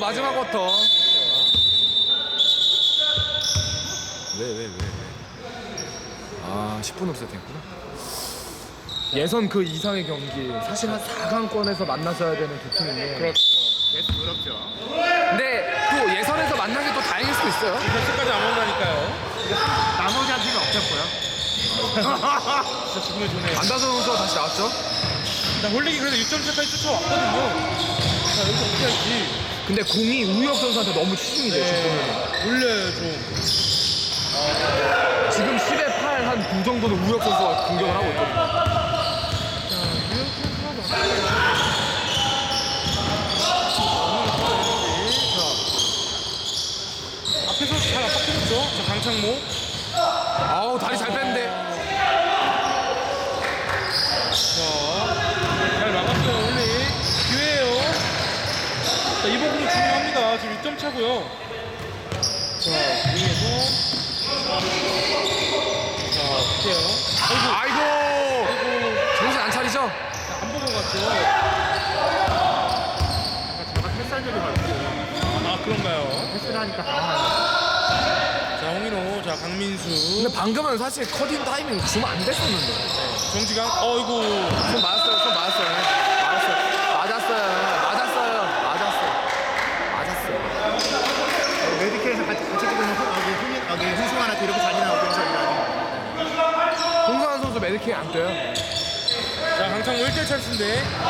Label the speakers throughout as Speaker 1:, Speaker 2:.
Speaker 1: 마지막 쿼터. 왜? 아, 10분 없어야 됐구나. 예선 그 이상의 경기. 사실 한 4강권에서 만나서야 되는 두 팀인데.
Speaker 2: 그렇죠. 계속 어렵죠.
Speaker 1: 근데 또 예선에서 만난 게 또 다행일 수도 있어요.
Speaker 2: 결승까지 안 온다니까요.
Speaker 3: 나머지 한 팀이 없었고요.
Speaker 2: 진짜 기분이 좋네요.
Speaker 1: 안다선 선수가 다시 나왔죠.
Speaker 2: 나 홀릭이 그래도 6점 차까지 쫓아왔거든요. 자, 여기서 어떻게 할지.
Speaker 1: 근데 공이 우혁 선수한테 너무 치중이 돼요. 지금 보면.
Speaker 2: 올려요, 좀.
Speaker 1: 지금 10에 8 한 9 정도는 우혁 선수가 공격을 하고 있거든요.
Speaker 2: 자, 유혁 선수가 앞에서 잘 압박해줬죠. 자, 강창모.
Speaker 1: 아우, 다리 잘 뺐는데.
Speaker 2: 자, 잘 막았어요, 홀릭. 기회예요. 자, 이번 공은 중요합니다. 지금 6점 차고요. 자, 위에서. 자, 어때요?
Speaker 1: 아이고. 정신 안 차리죠?
Speaker 2: 안 보고 갔죠.
Speaker 3: 제가 패스한적이 많고
Speaker 2: 아, 그런가요?
Speaker 3: 패스를 하니까
Speaker 2: 자, 홍인호, 자, 강민수,
Speaker 1: 근데 방금은 사실 커팅 타이밍 주면 안 됐었는데.
Speaker 2: 정지강, 어이구.
Speaker 1: 손 맞았어요.
Speaker 3: 메디케에서 같이 찍으면 흥승환한테 이렇게 잔인하고 그래서
Speaker 1: 홍상환 선수 메디킹 안 떠요.
Speaker 2: 자, 강창모 1대1 찬스인데.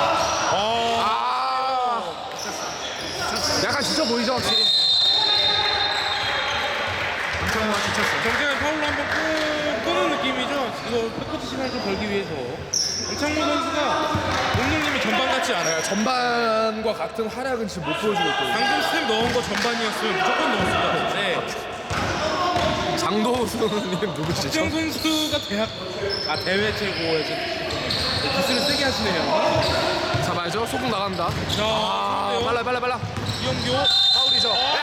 Speaker 1: 약간 지쳐 보이죠, 확실히.
Speaker 3: 엄청나게 지쳤어요.
Speaker 2: 정지강 파울로 한번 끄는 느낌이죠. 이거 백코트 시간을 좀 벌기 위해서. 강창모 선수가 몸놀림이 전반 같지 않아요.
Speaker 1: 전반과 같은 활약은 지금 못 보여주고 있거든요.
Speaker 2: 방금 스텝 넣은 거 전반이었으면 무조건 넣었을 것 같은데.
Speaker 1: 장도수님 누구시죠?
Speaker 2: 박정 선수가 대회 최고의 기술을 세게 하시네요.
Speaker 1: 잡아야죠. 소금 나간다.
Speaker 2: 자, 좋은데요?
Speaker 1: 빨라.
Speaker 2: 이영교.
Speaker 1: 파울이죠.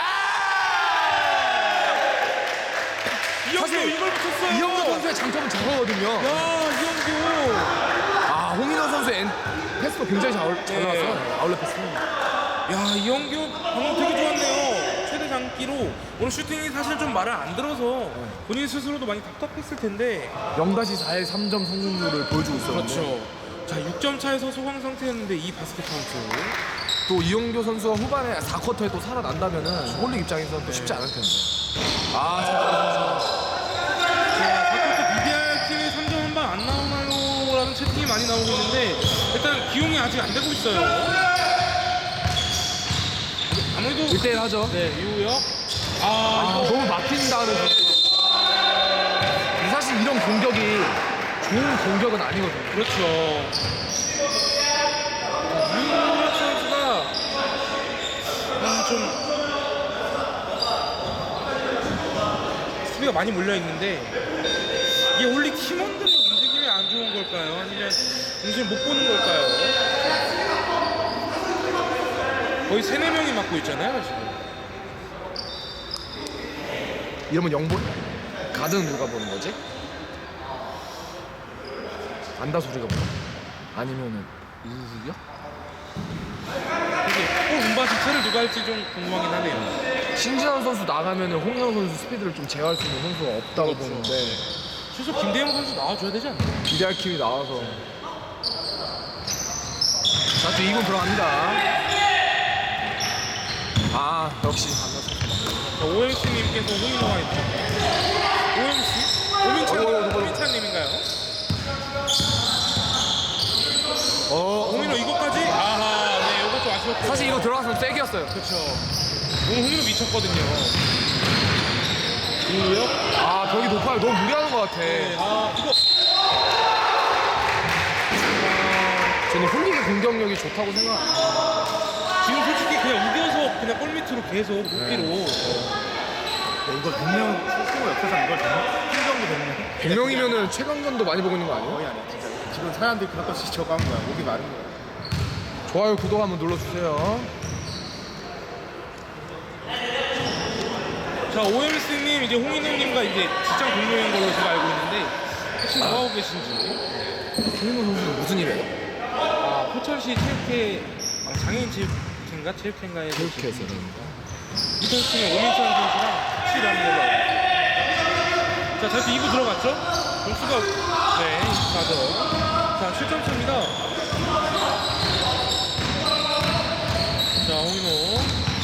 Speaker 2: 이영교
Speaker 1: 사실
Speaker 2: 이걸 붙였어요.
Speaker 1: 이영호 선수의 장점은 저거거든요.
Speaker 2: 야, 이영교.
Speaker 1: 아, 홍인호 선수의 패스도 굉장히 잘 나왔어요. 아울렛 패스.
Speaker 2: 야, 이영교 방금 되게 좋았네요. 최대 장기로 오늘 슈팅이 사실 좀 말을 안 들어서 본인 스스로도 많이 답답했을 텐데.
Speaker 1: 0-4의 3점 성공률을 보여주고 있었는데.
Speaker 2: 그렇죠. 자, 6점 차에서 소강 상태였는데 이 바스켓 카운트.
Speaker 1: 또 이용교 선수가 후반에 4쿼터에 또 살아난다면은 홀릭 입장에서는 또 쉽지 않을 텐데.
Speaker 2: 자, 4쿼터 BDR 팀이 3점 한 방 안 나오나요? 라는 채팅이 많이 나오고 있는데 일단 기용이 아직 안 되고 있어요. 아무래도
Speaker 1: 1대1 하죠.
Speaker 2: 네, 이우혁.
Speaker 1: 너무 막힌다는 선수. 사실 이런 공격이 좋은 공격은 아니거든요.
Speaker 2: 그렇죠. 이우혁 선수가 좀 수비가 많이 몰려 있는데 이게 원래 팀원들의 움직임이 안 좋은 걸까요? 아니면 움직임 못 보는 걸까요? 거의 3-4명이 맡고 있잖아요, 지금.
Speaker 1: 이러면 영본? 가드는 누가 보는 거지? 안다소리가 뭐야? 아니면은 이우혁?
Speaker 2: 이게 골 운바 자체를 누가 할지 좀 궁금하긴 하네요.
Speaker 1: 신진환 선수 나가면은 홍영 선수 스피드를 좀 제어할 수 있는 선수가 없다고
Speaker 2: 그렇죠.
Speaker 1: 보는데
Speaker 2: 최소 김대영 선수 나와줘야 되지 않나요?
Speaker 1: 비달 킴이 나와서 자, 또 2군 들어갑니다. 아, 역시 안다소.
Speaker 2: 자, OMC님께서 홍인호가 있죠. OMC? 오민찬님인가요? 홍인호 이거까지? 아하, 네, 이거 좀 아쉬웠고.
Speaker 1: 사실 이거 들어갔으면 쐐기였어요.
Speaker 2: 그렇죠. 오늘 홍인호 미쳤거든요. 이우혁?
Speaker 1: 아, 벽이 높아요. 너무 무리하는 것 같아.
Speaker 2: 네, 이거.
Speaker 1: 저는 홀릭의 공격력이 좋다고 생각합니다.
Speaker 2: 지금 솔직히 그냥 우겨서 그냥 골밑으로 계속 높이로.
Speaker 3: 이거 100명 스스로 옆에서 이걸 팀 정도 되면
Speaker 1: 100명이면은 최강전도 많이 보고 있는 거 아니에요?
Speaker 3: 거의 아니야 진짜. 지금 사람들이 그것까지 저거 한 거야. 목이 마른 거야.
Speaker 1: 좋아요, 구독 한번 눌러주세요.
Speaker 2: 자, OMC님 이제 홍인호님과 이제 직장 동료인 걸로 제가 알고 있는데 혹시 뭐하고 계신지.
Speaker 1: 홍인호 선수는 무슨 일이에요?
Speaker 2: 포천시 체육회 장애인 체육회 체육회인가에
Speaker 1: 체육회에서는
Speaker 2: 이 선수는 오민찬 선수랑 같이 일하는 걸로 알고 있습니다. 자, 다시 2부 들어갔죠? 점수가 24점. 자, 7점차입니다. 자, 홍인호.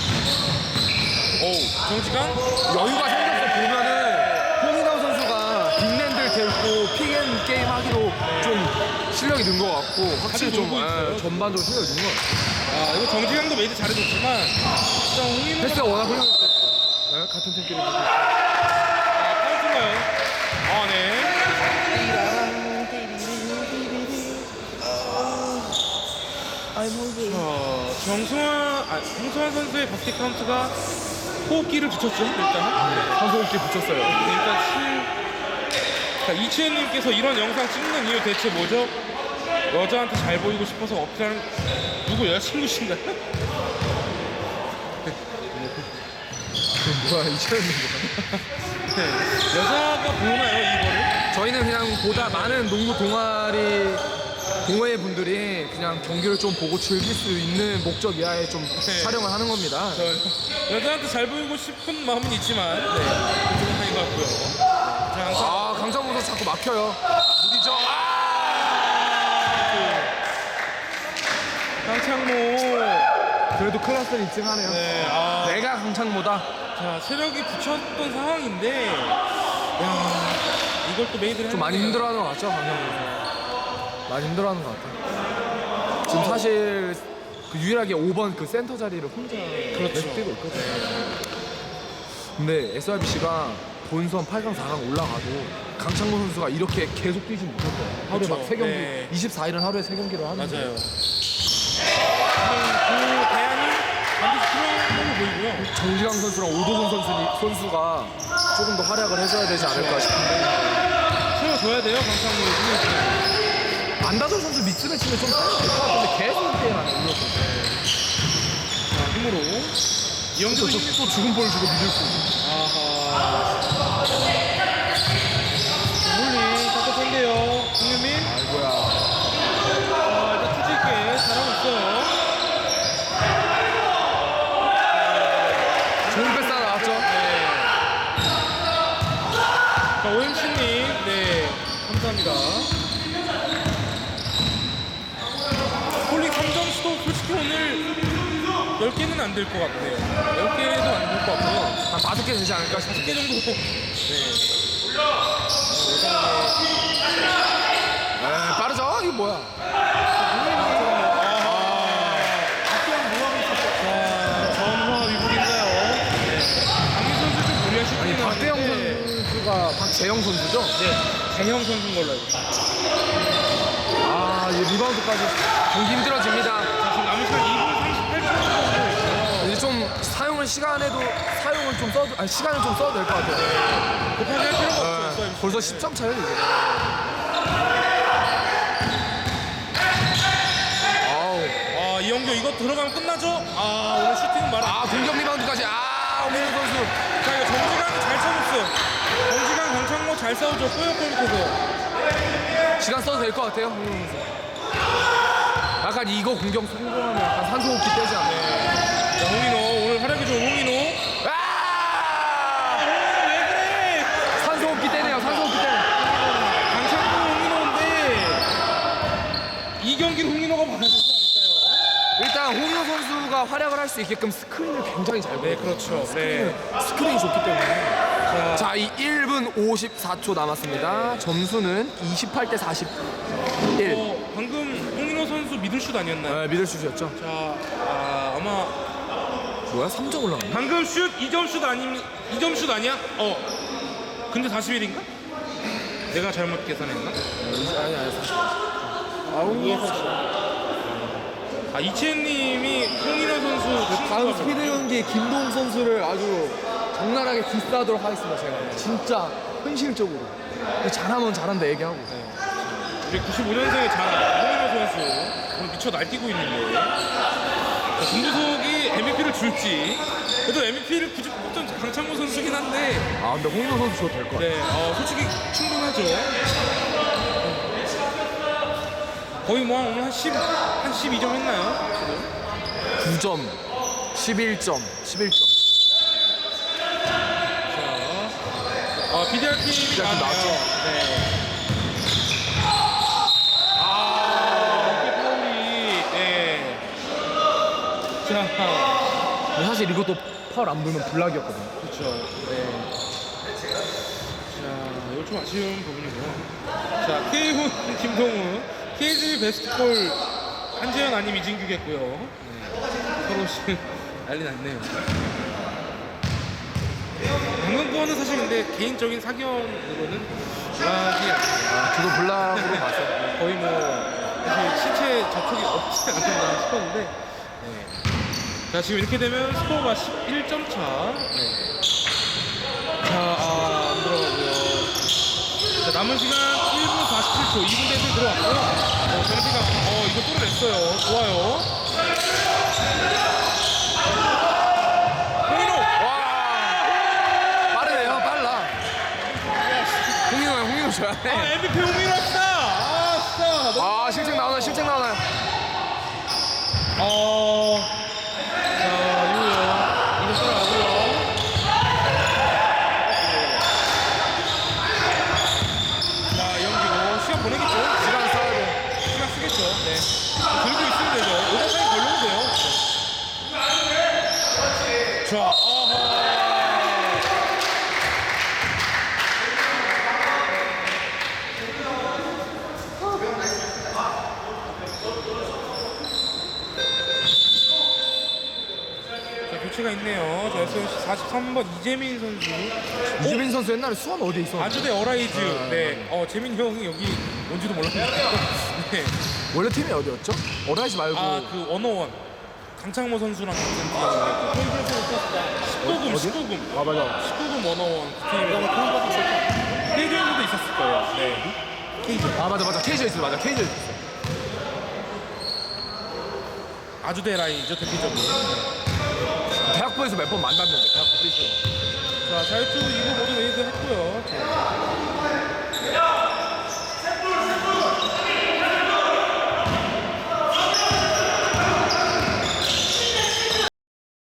Speaker 2: 오, 정지강.
Speaker 1: 여유가 생겨서 보면은 홍인호 선수가 빅맨들 데리고 픽앤 게임 하기로 좀 실력이 는 것 같고 확실히 좀
Speaker 2: 놀고 있어요.
Speaker 1: 전반적으로 실력이 는 것 같아요.
Speaker 2: 아, 이거 정지강도 메이드 잘해줬지만, 자, 홍인호가.
Speaker 1: 패스가 워낙 훌륭했기 때문에 같은 팀끼리 보고
Speaker 2: 카운트인가요? 아, 네. 정승환 선수의 바스켓 카운트가 호흡기를 붙였죠, 일단.
Speaker 1: 선수호흡기 붙였어요.
Speaker 2: 일단 자, 이치현님께서 이런 영상 찍는 이유 대체 뭐죠? 여자한테 잘 보이고 싶어서 어필하는 누구 여자친구신가요?
Speaker 1: 뭐야 이채연인가?
Speaker 2: 네. 여자가 보나요, 이거를?
Speaker 1: 저희는 그냥 보다 많은 농구 동호회 분들이 그냥 경기를 좀 보고 즐길 수 있는 목적 이하에 좀
Speaker 2: 네.
Speaker 1: 촬영을 하는 겁니다.
Speaker 2: 여자한테 잘 보이고 싶은 마음은 있지만, 네. 그쪽은 아닌 것 같고요. 자, 항상
Speaker 1: 아 강창모 선수 자꾸 막혀요. 무디죠?
Speaker 2: 강창모.
Speaker 1: 그래도 클래스는 입증하네요.
Speaker 2: 네,
Speaker 1: 내가 강창모다.
Speaker 2: 자, 체력이 붙였던 상황인데, 야, 이걸 또 메이드를
Speaker 1: 좀 많이
Speaker 2: 하네요.
Speaker 1: 힘들어하는 것 같죠, 강창모 선수. 많이 힘들어하는 것 같아요. 지금 사실 그 유일하게 5번 그 센터 자리를 혼자 계속 뛰고 있거든요. 근데 SRBC가 본선 8강, 4강 올라가도 강창모 선수가 이렇게 계속 뛰지 못할 거예요. 하루에
Speaker 2: 그렇죠.
Speaker 1: 막 3경기,
Speaker 2: 네.
Speaker 1: 24일은 하루에 3경기를 하는데
Speaker 2: 맞아요. 그 대안이 반드시 필요한 걸로 보이고요.
Speaker 1: 정지강 선수랑 오도근 선수가 조금 더 활약을 해줘야 되지 않을까 싶은데
Speaker 2: 채워줘야 돼요, 강창모를.
Speaker 1: 안다솔 선수 미스매치는 좀 될것 같은데 계속 게임하네.
Speaker 2: 자, 힘으로. 이영재도
Speaker 1: 또 죽은 볼 주고 믿을 수 있는.
Speaker 2: 아하. 홀링 답답한데요. 홍유민.
Speaker 1: 아이고야.
Speaker 2: 자, 일단 투지 있게 잘하고 있어요.
Speaker 1: 좋은 패스 하나 나왔죠?
Speaker 2: 네. 자, OMC님. 네. 감사합니다. 홀링 3점 수도 솔직히 오늘 10개는 안 될 것 같아요. 10개도 안 될 것 같고요.
Speaker 1: 한 5개 되지 않을까 싶어요.
Speaker 2: 10개 정도.
Speaker 1: 네, 빠르죠? 이거 뭐야?
Speaker 2: 전화 위복인가요? 네. 강민 선수 좀 무리하실
Speaker 1: 아니
Speaker 2: 것
Speaker 1: 박대영
Speaker 2: 같은데.
Speaker 1: 선수가 박재영 선수죠?
Speaker 2: 네. 대형 선수인 걸로 알고 있습니다.
Speaker 1: 아, 이 리바운드까지 경기 힘들어집니다.
Speaker 2: 자, 지금 남은 시간 2분 38초 정도 있어요.
Speaker 1: 이제 좀 사용을 시간을 좀 써도 시간을 좀 써도 될 것 같아요.
Speaker 2: 급하게 할 필요가 없어요.
Speaker 1: 네, 벌써 10점 차요 이제. 아우.
Speaker 2: 아, 이영규 이거 들어가면 끝나죠? 아, 오늘 슈팅은 말아.
Speaker 1: 아 공격 리바운드까지. 아 오민호 선수.
Speaker 2: 자, 이거 정지강 잘 쳐줬어요. 정지강, 강창모 잘 싸워줬고요. 골 밑에서.
Speaker 1: 시간 써도 될 것 같아요. 오민호 선수. 약간 이거 공격 성공하면 약간 산소호흡기 떼지 않나요?
Speaker 2: 자, 홍인호 오늘 활약이 좋은 홍인호.
Speaker 1: 아!
Speaker 2: 왜 그래?
Speaker 1: 산소호흡기 떼네요. 산소호흡기 떼.
Speaker 2: 강창모 홍인호인데 이 경기를 홍인호가 받아야 되지 않을까요?
Speaker 1: 일단 홍인호 선수가 활약을 할 수 있게끔 스크린을 굉장히 잘 보여요.
Speaker 2: 그렇죠. 네.
Speaker 1: 스크린이 좋기 때문에. 자, 이 1분 54초 남았습니다. 점수는 28대 41.
Speaker 2: 방금 홍인호 선수 미들슛 아니었나요?
Speaker 1: 네, 미들슛이었죠.
Speaker 2: 자, 아마
Speaker 1: 뭐야? 3점 올라갔네.
Speaker 2: 방금 슛 2점 슛 아니 2점 슛 아니야? 근데 41인가? 내가 잘못 계산했나?
Speaker 1: 아니, 사실. 아, 홍인호 선수.
Speaker 2: 이채님이 홍인호 선수
Speaker 1: 다음 스피드 경기 김동 선수를 아주 적나라하게 디스하도록 하겠습니다. 제가 진짜 현실적으로 잘하면 잘한다 얘기하고.
Speaker 2: 우리 95년생의 자랑 홍인호 선수 오늘 미쳐 날뛰고 있는데 김부석이 MVP를 줄지 그래도 MVP를 굳이 뽑던 강창모 선수긴 한데
Speaker 1: 아 근데 홍인호 선수 줘도 될 것 같아요.
Speaker 2: 네, 솔직히 충분하죠. 거의 뭐 오늘 한 12점 했나요?
Speaker 1: 9점, 11점, 11점.
Speaker 2: BDR 팀이
Speaker 1: BDR 팀
Speaker 2: 나왔네요.
Speaker 1: 나왔죠.
Speaker 2: 네. 이게 파울이, 네. 자,
Speaker 1: 근데 사실 이것도 파울 안 불면 블락이었거든요.
Speaker 2: 그렇죠. 네. 자, 이거 좀 아쉬운 부분이고요. 자, K훈, 김동훈, KG 베스트볼 한재현 아님 이진규겠고요. 네. 서로 지금 난리 났네요. 방금 거는 사실 근데 개인적인 사견으로는 블락이 아니에요.
Speaker 1: 저도 블락으로 봤어요.
Speaker 2: 거의 뭐 사실 신체 접촉이 없지 않나 싶었는데 네. 자 지금 이렇게 되면 스코어가 11점 차. 네. 자, 안 들어가고요. 자, 남은 시간 1분 47초, 2분 대에 들어왔고요. 정지가 이거 뚫어냈어요. 좋아요. 홍인호.
Speaker 1: 빠르네요, 빨라. 홍인호 줘야 돼.
Speaker 2: MVP 홍인호 합시다. 진짜. 너무
Speaker 1: 실책 나오나요, 실책 나오나요?
Speaker 2: 자, 이거 따라가고요. 자, 연기고 시간 보내겠죠?
Speaker 1: 시간 써야 돼.
Speaker 2: 시간 쓰겠죠? 네. 들고 있으면 되죠. 오버타임 걸려도 돼요. 자, 자, 교체가 있네요. 자, 43번 이재민 선수.
Speaker 1: 이재민 선수 옛날에 수원 어디에 있었는데?
Speaker 2: 아주대 어라이즈. 네. 재민 형이 여기 온지도 몰랐는데. 네.
Speaker 1: 원래 팀이 어디였죠? 어라이즈 말고.
Speaker 2: 그 원어원. 강창모 선수랑 같은 팀이었고. 19금,
Speaker 1: 어디?
Speaker 2: 19금.
Speaker 1: 맞아.
Speaker 2: 19금 원어원 그 팀이랑 KJ에서도 있었을 거예요. 네. KJ.
Speaker 1: 맞아. KJ 있어, 맞아. KJ 있어.
Speaker 2: 아주대 라인이죠, 대표적으로.
Speaker 1: 대학부에서 몇 번 만났는데, 대학부 뛰시죠.
Speaker 2: 자, 자유투 이거 모두 레이드 했고요. 자.